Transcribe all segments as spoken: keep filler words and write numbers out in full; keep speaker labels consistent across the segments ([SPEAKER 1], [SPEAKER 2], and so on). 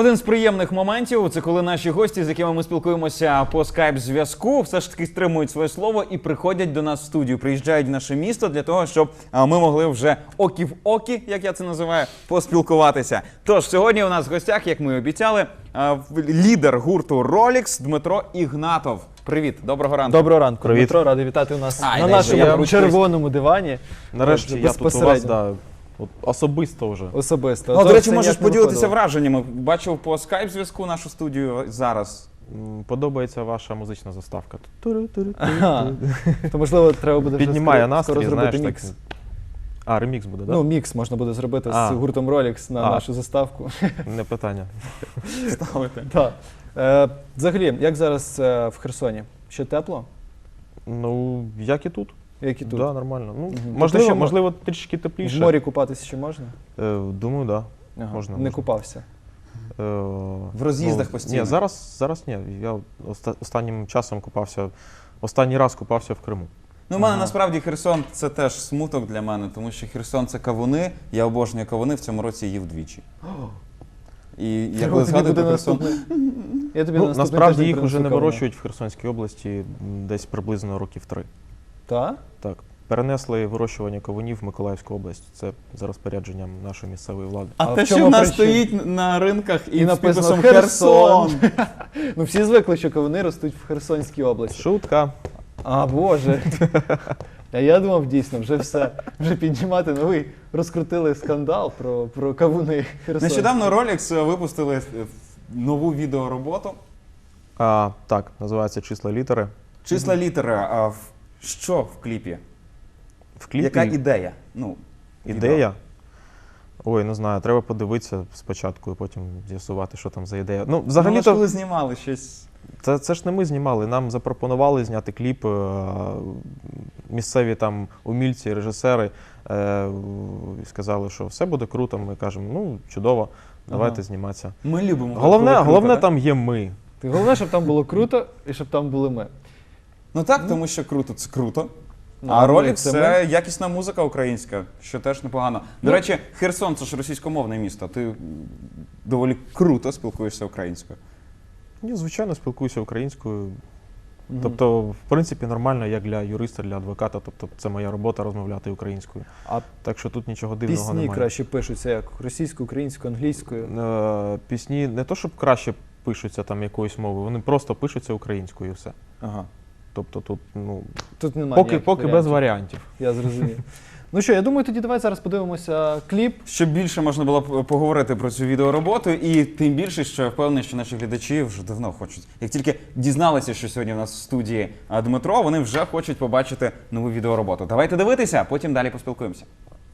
[SPEAKER 1] Один з приємних моментів – це коли наші гості, з якими ми спілкуємося по скайп-зв'язку, все ж таки стримують своє слово і приходять до нас в студію, приїжджають в наше місто для того, щоб ми могли вже окі в окі, як я це називаю, поспілкуватися. Тож, сьогодні у нас в гостях, як ми і обіцяли, лідер гурту Rolex Дмитро Ігнатов. Привіт, доброго ранку.
[SPEAKER 2] Доброго ранку,
[SPEAKER 3] Привіт.
[SPEAKER 2] Дмитро, радий вітати у нас
[SPEAKER 1] Ай,
[SPEAKER 2] на
[SPEAKER 1] дай
[SPEAKER 2] нашому
[SPEAKER 1] я
[SPEAKER 2] червоному дивані.
[SPEAKER 3] Нарешті я тут у вас, да, от особисто вже.
[SPEAKER 2] Особисто.
[SPEAKER 1] Ну, до речі,
[SPEAKER 2] Це
[SPEAKER 1] можеш
[SPEAKER 2] ніяк не
[SPEAKER 1] поділитися
[SPEAKER 2] виходило.
[SPEAKER 1] враженнями. Бачив по скайп-зв'язку нашу студію зараз.
[SPEAKER 3] М, Подобається ваша музична заставка.
[SPEAKER 2] Ага. То, можливо, треба буде вже
[SPEAKER 3] Піднімає
[SPEAKER 2] скоро, скоро
[SPEAKER 3] настрій,
[SPEAKER 2] зробити
[SPEAKER 3] знаєш,
[SPEAKER 2] мікс.
[SPEAKER 3] так. А, ремікс буде, так?
[SPEAKER 2] Ну, мікс можна буде зробити
[SPEAKER 3] А.
[SPEAKER 2] з гуртом Rolex на
[SPEAKER 3] А.
[SPEAKER 2] нашу заставку.
[SPEAKER 3] Не питання.
[SPEAKER 1] Ставити.
[SPEAKER 2] Так. Е, взагалі, як зараз е, в Херсоні? Ще тепло?
[SPEAKER 3] Ну, як і тут.
[SPEAKER 2] Як і тут?
[SPEAKER 3] Да, нормально. Ну,
[SPEAKER 2] Мгм.
[SPEAKER 3] можливо,
[SPEAKER 2] Тобто,
[SPEAKER 3] можливо, трішки
[SPEAKER 2] В
[SPEAKER 3] тепліше.
[SPEAKER 2] морі купатися ще можна?
[SPEAKER 3] Е, думаю, так. Да.
[SPEAKER 2] Ага.
[SPEAKER 3] Можна,
[SPEAKER 2] Не
[SPEAKER 3] можна.
[SPEAKER 2] купався.
[SPEAKER 3] Е,
[SPEAKER 1] В роз'їздах
[SPEAKER 3] ну,
[SPEAKER 1] постійно?
[SPEAKER 3] Ні, зараз, зараз ні. Я оста- останнім часом купався, останній раз купався в Криму.
[SPEAKER 1] Ну, в мене
[SPEAKER 2] Ага.
[SPEAKER 1] насправді Херсон – це теж смуток для мене, тому що Херсон – це кавуни, я обожнюю кавуни, в цьому році їв двічі. І я коли
[SPEAKER 2] Тобі
[SPEAKER 1] згадую
[SPEAKER 2] буде
[SPEAKER 1] про Херсон…
[SPEAKER 2] наступний- Я тобі
[SPEAKER 3] Ну,
[SPEAKER 2] наступний
[SPEAKER 3] насправді
[SPEAKER 2] тиждень
[SPEAKER 3] їх вже
[SPEAKER 2] принесу
[SPEAKER 3] не
[SPEAKER 2] кавуни.
[SPEAKER 3] вирощують в Херсонській області м, десь приблизно років три.
[SPEAKER 2] Так?
[SPEAKER 3] Так. Перенесли вирощування кавунів в Миколаївську область. Це за розпорядженням нашої місцевої влади.
[SPEAKER 1] А,
[SPEAKER 2] А
[SPEAKER 1] те,
[SPEAKER 2] в
[SPEAKER 1] що
[SPEAKER 2] чому
[SPEAKER 1] в нас
[SPEAKER 2] причина?
[SPEAKER 1] стоїть на ринках і,
[SPEAKER 2] І
[SPEAKER 1] з
[SPEAKER 2] написано
[SPEAKER 1] підписом
[SPEAKER 2] «Херсон».
[SPEAKER 1] «Херсон».
[SPEAKER 2] Ну, всі звикли, що кавуни ростуть в Херсонській області.
[SPEAKER 3] Шутка.
[SPEAKER 2] А, Боже. А я думав, дійсно, вже все. Вже піднімати новий. Розкрутили скандал про, про кавуни Херсонські.
[SPEAKER 1] Нещодавно Rolex випустили нову відеороботу.
[SPEAKER 3] А, так, називається «Числа літери».
[SPEAKER 1] Числа літери. А в- що в кліпі?
[SPEAKER 3] В кліпі
[SPEAKER 1] Яка ідея? Ну,
[SPEAKER 3] ідея. Ой, не знаю, треба подивитися спочатку і потім з'ясувати, що там за ідея. Ну,
[SPEAKER 1] Взагалі,
[SPEAKER 3] взагалі-то,
[SPEAKER 1] коли знімали щось.
[SPEAKER 3] це, це ж не ми знімали. Нам запропонували зняти кліп е, місцеві там умільці, режисери. Е, і сказали, що все буде круто. Ми кажемо, ну, чудово, давайте
[SPEAKER 1] Ага.
[SPEAKER 3] зніматися.
[SPEAKER 1] Ми любимо.
[SPEAKER 3] Головне,
[SPEAKER 1] коли круто,
[SPEAKER 3] головне
[SPEAKER 1] так?
[SPEAKER 3] там є ми.
[SPEAKER 2] Ти головне, щоб там було круто і щоб там були ми.
[SPEAKER 1] Ну так, тому що круто – це круто.
[SPEAKER 2] Ну,
[SPEAKER 1] А
[SPEAKER 2] ми
[SPEAKER 1] Rolex –
[SPEAKER 2] це
[SPEAKER 1] це якісна музика українська, що теж непогано. До
[SPEAKER 2] Ну.
[SPEAKER 1] речі, Херсон – це ж російськомовне місто. Ти м, доволі круто спілкуєшся українською.
[SPEAKER 3] Я, звичайно, спілкуюся українською.
[SPEAKER 2] Мгм.
[SPEAKER 3] Тобто, в принципі, нормально, як для юриста, для адвоката. Тобто, це моя робота розмовляти українською.
[SPEAKER 2] А
[SPEAKER 3] Так що тут нічого дивного
[SPEAKER 2] пісні
[SPEAKER 3] немає.
[SPEAKER 2] краще пишуться як російською, українською, англійською.
[SPEAKER 3] Е, пісні не то, щоб краще пишуться там якоюсь мовою, вони просто пишуться українською і все.
[SPEAKER 1] Ага.
[SPEAKER 3] Тобто тут, ну,
[SPEAKER 2] Тут немає
[SPEAKER 3] поки,
[SPEAKER 2] ніяких
[SPEAKER 3] поки без
[SPEAKER 2] варіантів.
[SPEAKER 3] варіантів.
[SPEAKER 2] Я зрозумів. Ну що, я думаю, тоді давай зараз подивимося кліп.
[SPEAKER 1] Щоб більше можна було б поговорити про цю відеороботу, і тим більше, що я впевнений, що наші глядачі вже давно хочуть. Як тільки дізналися, що сьогодні у нас в студії а, Дмитро, вони вже хочуть побачити нову відеороботу. Давайте дивитися, а потім далі поспілкуємося.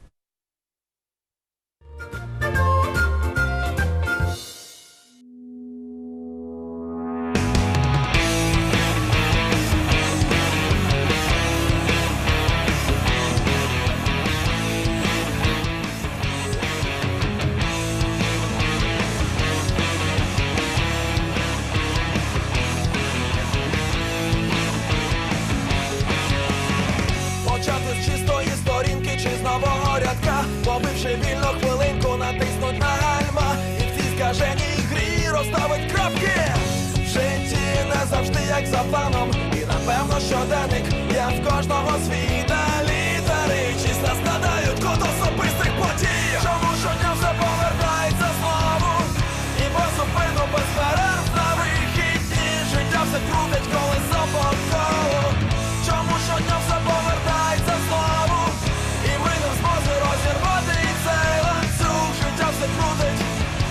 [SPEAKER 4] Почати з чистої сторінки чи з нового рядка, побивши вільну хвилинку, натиснуть на гальма і в цій скаженій грі розставить крапки. В житті не завжди як за планом, і напевно щоденник є в кожного свій, та літери числа складають код особистих подій. Чому щодня все повертається знову, і без зупину, без перерв на вихідні життя все крутить колесо по колу. Чому щодня все повертається знову, і ми не в змозі розірвати цей ланцюг, життя все крутить.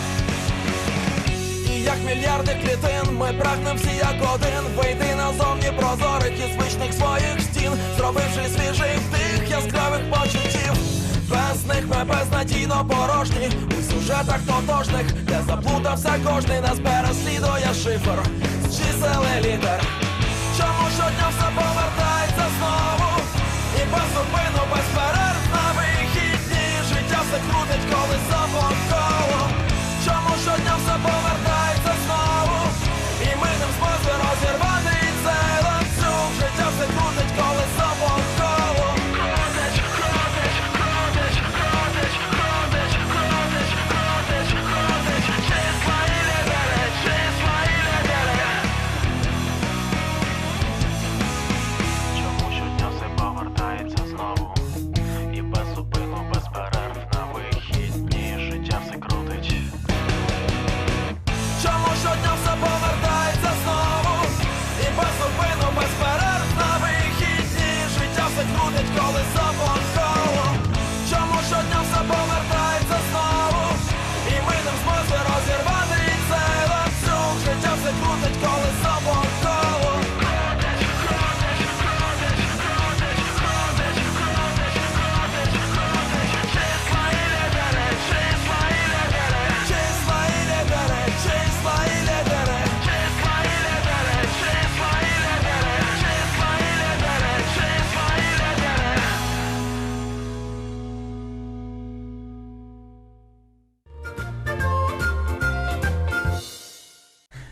[SPEAKER 4] І як мільярди клітин, ми прагнем всі як один вийти назовні прозорих і звичних своїх стін, зробивши свіжий вдих яскравих почуттів. Без них ми безнадійно порожні у сюжетах тотожних, де заплутався кожний, нас переслідує шифр з чисел і літер. Чому щодня все повертається знову, і без зупину, без перерв на вихідні життя все крутить колесо по колу. Чому щодня все повертається знову, і ми не в змозі розірвати цей ланцюг, життя все крутить колесо по колу. Крутить, крутить, крутить, крутить, крутить, крутить, крутить, крутить, числа і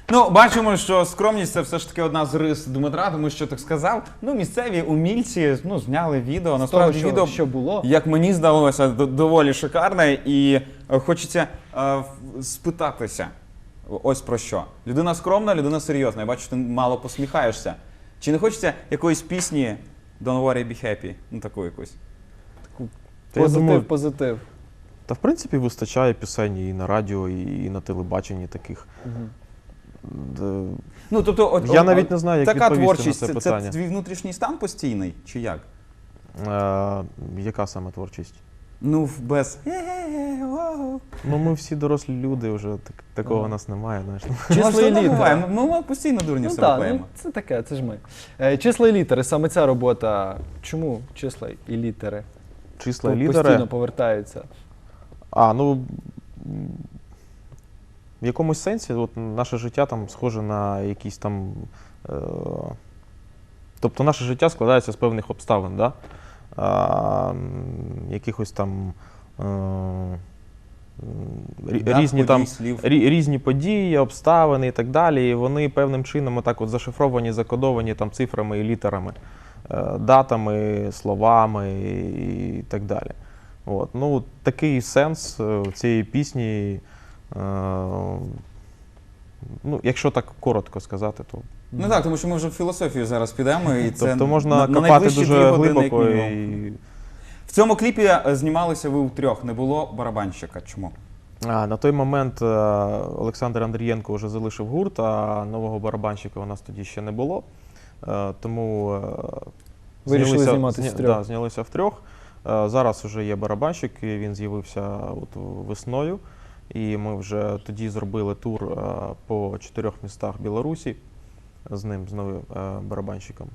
[SPEAKER 1] Ну, бачимо, що скромність це все ж таки одна з рис Дмитра, тому що так сказав. Ну, місцеві умільці ну, зняли відео. Насправді
[SPEAKER 2] що-
[SPEAKER 1] відео,
[SPEAKER 2] що було.
[SPEAKER 1] як мені здалося, д- доволі шикарне. І е, хочеться е, в- спитатися. Ось про що. Людина скромна, людина серйозна. Я бачу, ти мало посміхаєшся. Чи не хочеться якоїсь пісні Don't worry, be happy? Ну, таку якусь.
[SPEAKER 3] Та я
[SPEAKER 2] Позитив,
[SPEAKER 3] думаю,
[SPEAKER 2] позитив.
[SPEAKER 3] та в принципі вистачає пісень і на радіо, і на телебаченні таких.
[SPEAKER 2] Мгм.
[SPEAKER 3] Д-
[SPEAKER 1] Ну, тобто, от,
[SPEAKER 3] Я
[SPEAKER 1] от-
[SPEAKER 3] навіть не знаю, як
[SPEAKER 1] така
[SPEAKER 3] відповісти на
[SPEAKER 1] творчість,
[SPEAKER 3] це
[SPEAKER 1] це,
[SPEAKER 3] питання.
[SPEAKER 1] це твій внутрішній стан постійний, чи як?
[SPEAKER 3] Е, яка саме творчість?
[SPEAKER 1] Ну, в- без «Е-е-е, вау».
[SPEAKER 3] Ну, ми всі дорослі люди, вже так, такого
[SPEAKER 2] Ага.
[SPEAKER 3] у нас немає. Знаєш.
[SPEAKER 2] Числа
[SPEAKER 1] Ну,
[SPEAKER 2] і
[SPEAKER 1] що не
[SPEAKER 2] літери.
[SPEAKER 1] буває, Ми, ми постійно дурні
[SPEAKER 2] Ну
[SPEAKER 1] все
[SPEAKER 2] так,
[SPEAKER 1] клеїмо.
[SPEAKER 2] ну, це таке, це ж ми. Е, Числа і літери, саме ця робота. Чому числа і літери?
[SPEAKER 3] Числа і
[SPEAKER 2] По-
[SPEAKER 3] лідери.
[SPEAKER 2] Постійно повертаються.
[SPEAKER 3] А, ну м, в якомусь сенсі от, наше життя там схоже на якісь там. Е, тобто наше життя складається з певних обставин, да? а, м, якихось там е, м, рі-
[SPEAKER 1] Дат,
[SPEAKER 3] різні,
[SPEAKER 1] подій,
[SPEAKER 3] там,
[SPEAKER 1] слів.
[SPEAKER 3] рі- різні події, обставини і так далі. І вони певним чином отак от зашифровані, закодовані там цифрами і літерами, е, датами, словами і так далі. От. Ну, такий сенс е, цієї пісні, е, ну, якщо так коротко сказати, то
[SPEAKER 1] Ну так, тому що ми вже в філософію зараз підемо, і це
[SPEAKER 3] тобто можна
[SPEAKER 1] на, на
[SPEAKER 3] копати
[SPEAKER 1] найближчі
[SPEAKER 3] дуже
[SPEAKER 1] дві години, як
[SPEAKER 3] глибоко.
[SPEAKER 1] мінімум.
[SPEAKER 3] І...
[SPEAKER 1] В цьому кліпі е, знімалися ви втрьох, не було барабанщика. Чому?
[SPEAKER 3] А, на той момент е, Олександр Андрієнко вже залишив гурт, а нового барабанщика у нас тоді ще не було. Е, тому е,
[SPEAKER 2] Вирішили
[SPEAKER 3] знялися-
[SPEAKER 2] зніматись
[SPEAKER 3] зня-
[SPEAKER 2] втрьох.
[SPEAKER 3] Да, знялися втрьох. Е, зараз вже є барабанщик, і він з'явився от весною. І ми вже тоді зробили тур е, по чотирьох містах Білорусі з ним, з новим е, барабанщиком.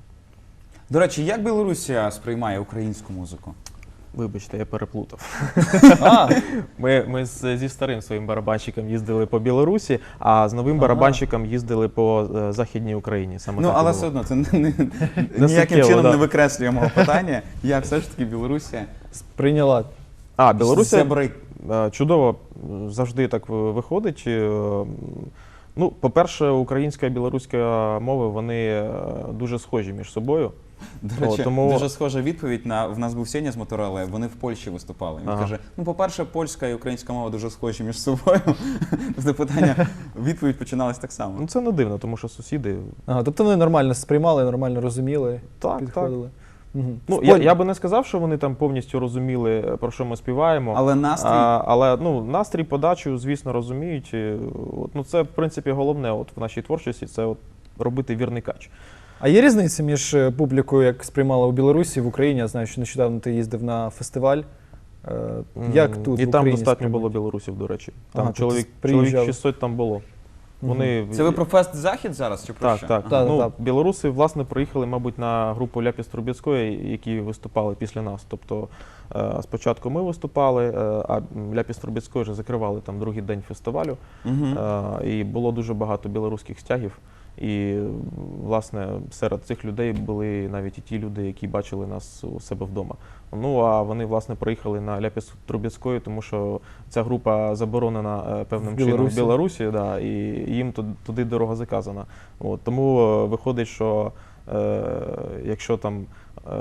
[SPEAKER 1] До речі, як Білорусія сприймає українську музику?
[SPEAKER 3] Вибачте, я переплутав.
[SPEAKER 2] А,
[SPEAKER 3] Ми, ми з, зі старим своїм барабанщиком їздили по Білорусі, а з новим
[SPEAKER 2] Ага.
[SPEAKER 3] барабанщиком їздили по е, Західній Україні. Саме
[SPEAKER 1] Ну,
[SPEAKER 3] так і
[SPEAKER 1] але
[SPEAKER 3] було.
[SPEAKER 1] все одно це не, не,
[SPEAKER 3] Не
[SPEAKER 1] ніяким
[SPEAKER 3] суттєво,
[SPEAKER 1] чином
[SPEAKER 3] да.
[SPEAKER 1] не викреслює мого питання. Як все ж таки Білорусія
[SPEAKER 2] прийняла.
[SPEAKER 3] А, Білорусія
[SPEAKER 1] зебри.
[SPEAKER 3] е, чудово е, завжди так ви- виходить. Е, Ну, по-перше, українська і білоруська мови, вони е, дуже схожі між собою.
[SPEAKER 1] До
[SPEAKER 3] О,
[SPEAKER 1] речі,
[SPEAKER 3] тому-
[SPEAKER 1] дуже схожа відповідь на в нас був Сеня з Мотороле, вони в Польщі виступали. Він
[SPEAKER 3] Ага.
[SPEAKER 1] каже: ну, по-перше, польська і українська мова дуже схожі між собою. Тобто питання, відповідь починалась так само.
[SPEAKER 3] Ну, це не дивно, тому що сусіди.
[SPEAKER 2] Ага, тобто вони нормально сприймали, нормально розуміли,
[SPEAKER 3] Так,
[SPEAKER 2] підходили. Мгм.
[SPEAKER 3] Ну,
[SPEAKER 2] В
[SPEAKER 3] я,
[SPEAKER 2] Поль-
[SPEAKER 3] я би не сказав, що вони там повністю розуміли, про що ми співаємо.
[SPEAKER 1] Але настрій.
[SPEAKER 3] А, але ну, настрій, подачу, звісно, розуміють. І, От, ну, це, в принципі, головне от, в нашій творчості це от, робити вірний кач.
[SPEAKER 2] А є різниця між е, публікою, як сприймала у Білорусі, в Україні? Я знаю, що нещодавно ти їздив на фестиваль. Е, Як
[SPEAKER 3] М,
[SPEAKER 2] тут
[SPEAKER 3] І
[SPEAKER 2] в
[SPEAKER 3] там
[SPEAKER 2] Україні
[SPEAKER 3] достатньо
[SPEAKER 2] сприймають?
[SPEAKER 3] було білорусів, до речі. Там
[SPEAKER 2] Ага, тобто
[SPEAKER 3] чоловік,
[SPEAKER 2] приїжджали.
[SPEAKER 3] чоловік шістсот там було. Вони,
[SPEAKER 1] Це ви про фест Захід зараз чи про
[SPEAKER 3] Так,
[SPEAKER 1] що?
[SPEAKER 3] так.
[SPEAKER 2] Так,
[SPEAKER 3] ну,
[SPEAKER 2] так.
[SPEAKER 3] Білоруси, власне, приїхали, мабуть, на групу Ляпіс Трубецької, які виступали після нас. Тобто е, спочатку ми виступали, е, а Ляпіс Трубецької вже закривали там другий день фестивалю.
[SPEAKER 1] Мгм.
[SPEAKER 3] Е, І було дуже багато білоруських стягів. І, власне, серед цих людей були навіть і ті люди, які бачили нас у себе вдома. Ну, а вони, власне, приїхали на Ляпіс Трубецької, тому що ця група заборонена е, певним
[SPEAKER 2] В
[SPEAKER 3] чином в
[SPEAKER 2] Білорусі.
[SPEAKER 3] Білорусі, да, і їм ту- туди дорога заказана. От, тому е, виходить, що е, якщо там, е,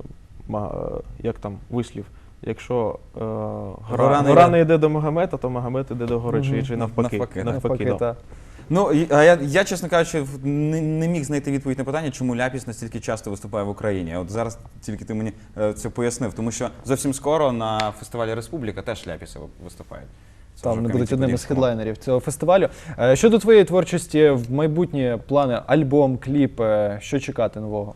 [SPEAKER 3] ма- е, як там вислів, якщо е, гора,
[SPEAKER 1] Гора не
[SPEAKER 3] гора
[SPEAKER 1] йде-
[SPEAKER 3] не йде до Магомета, то Магомет іде до гори, чи,
[SPEAKER 2] Мгм.
[SPEAKER 3] чи навпаки.
[SPEAKER 1] Навпаки.
[SPEAKER 2] Навпаки,
[SPEAKER 3] да.
[SPEAKER 2] та.
[SPEAKER 1] Ну, і- а я, я, чесно кажучи, в- не, не міг знайти відповідь на питання, чому Ляпіс настільки часто виступає в Україні. От зараз тільки ти мені е, це пояснив, тому що зовсім скоро на фестивалі Республіка теж Ляпіси виступають. Це
[SPEAKER 2] Там
[SPEAKER 1] вже в
[SPEAKER 2] вони будуть одним із
[SPEAKER 1] Кам'янці-Подільському.
[SPEAKER 2] хедлайнерів цього фестивалю. Е, Щодо твоєї творчості, в майбутні плани, альбом, кліп, е, що чекати нового?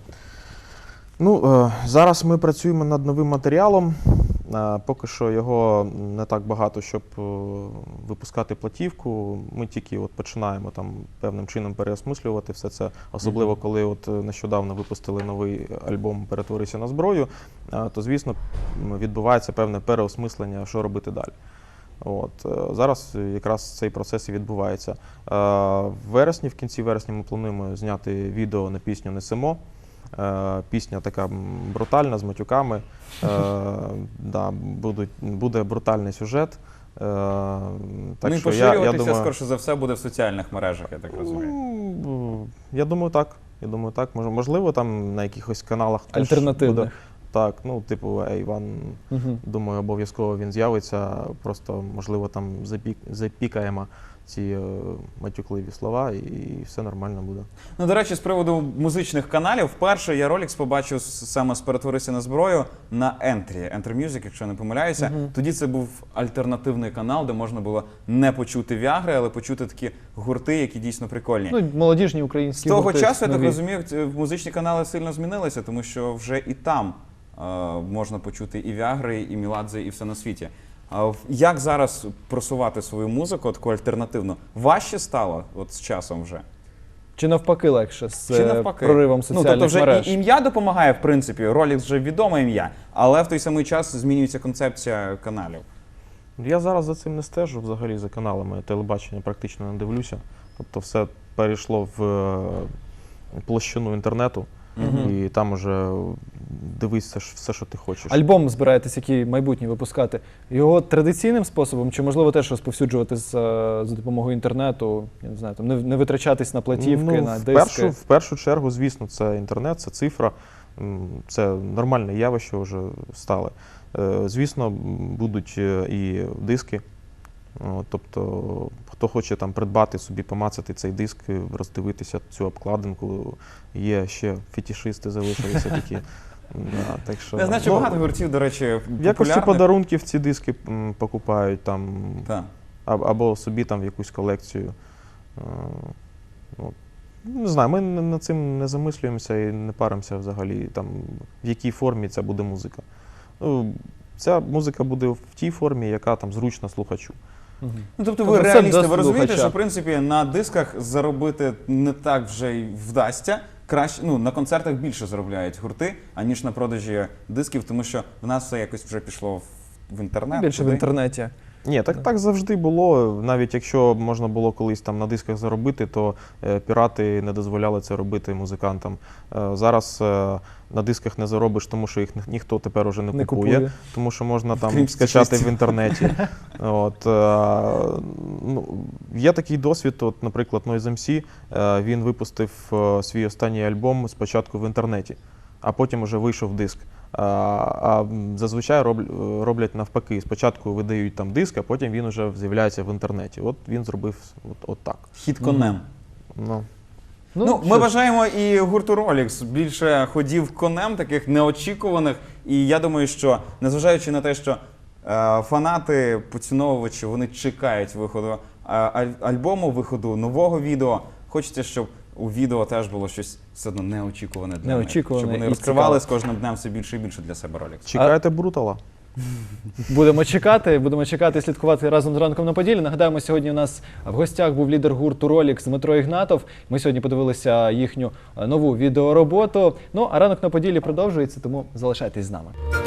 [SPEAKER 3] Ну, е, зараз ми працюємо над новим матеріалом. Е, Поки що його не так багато, щоб е, випускати платівку. Ми тільки от починаємо там певним чином переосмислювати все це, особливо коли от е, нещодавно випустили новий альбом «Перетворися на зброю», е, то, звісно, м, відбувається певне переосмислення, що робити далі. От, е, зараз якраз цей процес і відбувається. Е, В вересні, в кінці вересня ми плануємо зняти відео на пісню «Несемо». Е, Пісня така м, брутальна, з матюками. Е, да, будуть, буде брутальний сюжет. Так
[SPEAKER 1] ну і
[SPEAKER 3] що я,
[SPEAKER 1] поширюватися,
[SPEAKER 3] я думаю,
[SPEAKER 1] скорше за все, буде в соціальних мережах, я так розумію.
[SPEAKER 3] ну, я думаю, так. Я думаю, так. Мож- Можливо, там на якихось каналах теж
[SPEAKER 2] Альтернативних.
[SPEAKER 3] буде. Так, ну, типу, A один,
[SPEAKER 2] Мгм.
[SPEAKER 3] думаю, обов'язково він з'явиться. Просто, можливо, там запік... запікаємо ці е, матюкливі слова, і все нормально буде.
[SPEAKER 1] Ну, до речі, з приводу музичних каналів, вперше я ролик побачив с- саме з «Перетворися на зброю» на Entry, Enter Music, якщо я не помиляюся.
[SPEAKER 2] Мгм.
[SPEAKER 1] Тоді це був альтернативний канал, де можна було не почути Віагри, але почути такі гурти, які дійсно прикольні.
[SPEAKER 2] Ну, молодіжні
[SPEAKER 1] З
[SPEAKER 2] українські
[SPEAKER 1] того
[SPEAKER 2] гурти
[SPEAKER 1] часу, я так
[SPEAKER 2] нові.
[SPEAKER 1] розумію, ці музичні канали сильно змінилися, тому що вже і там е, можна почути і Віагри, і Міладзе, і все на світі. А в- як зараз просувати свою музику, таку альтернативну? Важче стало от з часом вже?
[SPEAKER 2] Чи навпаки легше з
[SPEAKER 1] Чи
[SPEAKER 2] е,
[SPEAKER 1] навпаки?
[SPEAKER 2] проривом
[SPEAKER 1] Ну,
[SPEAKER 2] соціальних
[SPEAKER 1] тобто вже
[SPEAKER 2] мереж?
[SPEAKER 1] і ім'я допомагає, в принципі, Rolex вже відоме ім'я, але в той самий час змінюється концепція каналів.
[SPEAKER 3] Я зараз за цим не стежу взагалі за каналами. Телебачення практично не дивлюся. Тобто все перейшло в е, площину інтернету,
[SPEAKER 1] Мгм.
[SPEAKER 3] і там уже дивись все, що- все, що ти хочеш.
[SPEAKER 2] Альбом збираєтесь, який майбутній випускати, його традиційним способом, чи можливо теж розповсюджувати з, е, за допомогою інтернету, я не знаю, там не, не витрачатись на платівки,
[SPEAKER 3] Ну,
[SPEAKER 2] на
[SPEAKER 3] в
[SPEAKER 2] диски?
[SPEAKER 3] першу, в першу чергу, звісно, це інтернет, це цифра, м, це нормальне явище вже стало. Е, Звісно, м, будуть е, і диски. О, Тобто, хто хоче там придбати собі, помацати цей диск, е, роздивитися цю обкладинку, є ще фетішисти залишилися такі. Да, так що,
[SPEAKER 1] Я знаю, що
[SPEAKER 3] ну,
[SPEAKER 1] багато гуртів, до речі,
[SPEAKER 3] в якості
[SPEAKER 1] популярних.
[SPEAKER 3] подарунків ці диски м, покупають там,
[SPEAKER 1] Так.
[SPEAKER 3] аб- або собі там в якусь колекцію. Е, ну, Не знаю, ми н- над цим не замислюємося і не паримося взагалі, там, в якій формі ця буде музика. Ну, ця музика буде в тій формі, яка там зручна слухачу.
[SPEAKER 2] Мгм.
[SPEAKER 1] Ну, тобто ви
[SPEAKER 2] Тобто це
[SPEAKER 1] реалісти,
[SPEAKER 2] до
[SPEAKER 1] ви розумієте,
[SPEAKER 2] слухача.
[SPEAKER 1] що в принципі на дисках заробити не так вже й вдасться. Краще, ну, на концертах більше заробляють гурти, аніж на продажі дисків, тому що в нас все якось вже пішло в, в інтернет.
[SPEAKER 2] Більше в
[SPEAKER 1] туди.
[SPEAKER 2] інтернеті.
[SPEAKER 3] Ні, так, так завжди було. Навіть якщо можна було колись там на дисках заробити, то е, пірати не дозволяли це робити музикантам. Е, зараз е, на дисках не заробиш, тому що їх ні- ніхто тепер уже не,
[SPEAKER 2] Не
[SPEAKER 3] купує,
[SPEAKER 2] купує.
[SPEAKER 3] тому що можна там
[SPEAKER 1] Крім
[SPEAKER 3] скачати
[SPEAKER 1] статистів.
[SPEAKER 3] в інтернеті. От, е, ну, є такий досвід, от, наприклад, Noise ем сі, е, він випустив е, свій останній альбом спочатку в інтернеті, а потім вже вийшов диск. А, а зазвичай роб- роблять навпаки. Спочатку видають там диск, а потім він вже з'являється в інтернеті. От він зробив от, от так.
[SPEAKER 1] Хід конем.
[SPEAKER 3] Ну,
[SPEAKER 1] Ну,
[SPEAKER 2] що
[SPEAKER 1] ми
[SPEAKER 2] ж,
[SPEAKER 1] бажаємо і гурту Rolex більше ходів конем, таких неочікуваних. І я думаю, що незважаючи на те, що е, фанати, поціновувачі, вони чекають виходу е, аль- альбому, виходу нового відео. Хочеться, щоб у відео теж було щось все одно неочікуване для
[SPEAKER 2] Неочікуване
[SPEAKER 1] них. Щоб вони
[SPEAKER 2] і
[SPEAKER 1] розкривали
[SPEAKER 2] цікаве.
[SPEAKER 1] з кожним днем все більше і більше для себе Rolex.
[SPEAKER 3] чекайте Брутала.
[SPEAKER 2] Будемо чекати, будемо чекати і слідкувати разом з ранком на Поділлі. Нагадаємо, сьогодні у нас в гостях був лідер гурту Rolex Дмитро Ігнатов. Ми сьогодні подивилися їхню е, нову відеороботу. Ну, а ранок на Поділлі продовжується, тому залишайтесь з нами.